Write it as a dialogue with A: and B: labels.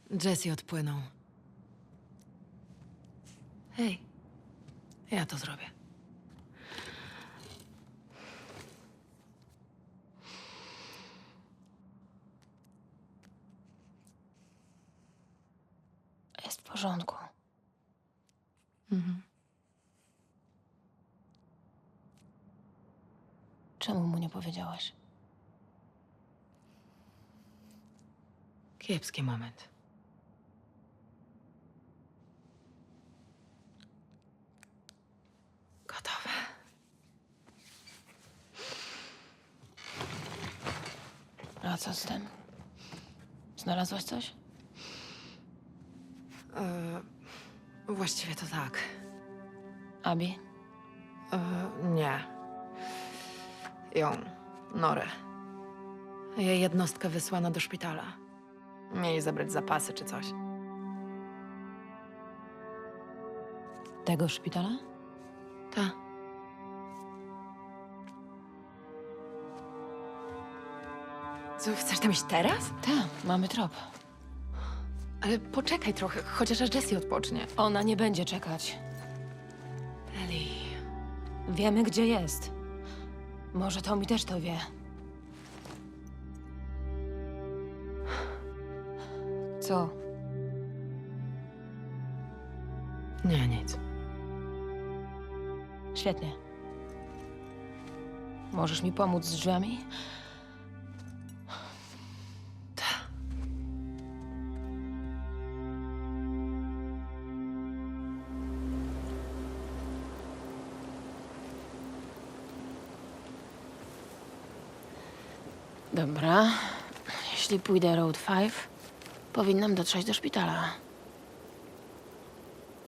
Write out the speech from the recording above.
A: Jesse odpłynął. Hej, ja to zrobię.
B: Jest w porządku.
A: Mhm.
B: Czemu mu nie powiedziałaś?
A: Kiepski moment. Gotowe.
B: A co z tym? Znalazłaś coś?
A: Właściwie to tak.
B: Abi?
A: Nie. Ją. Norę. Jej jednostkę wysłano do szpitala. Mieli zabrać zapasy czy coś.
B: Tego szpitala?
A: Ta. Co, chcesz tam iść teraz?
B: Tak, mamy trop.
A: Ale poczekaj trochę, chociaż aż Jessie odpocznie.
B: Ona nie będzie czekać.
A: Ellie.
B: Wiemy, gdzie jest. Może Tommy też to wie. Co?
A: Nie, nic.
B: Świetnie. Możesz mi pomóc z drzwiami? Dobra. Jeśli pójdę Road 5, powinnam dotrzeć do szpitala.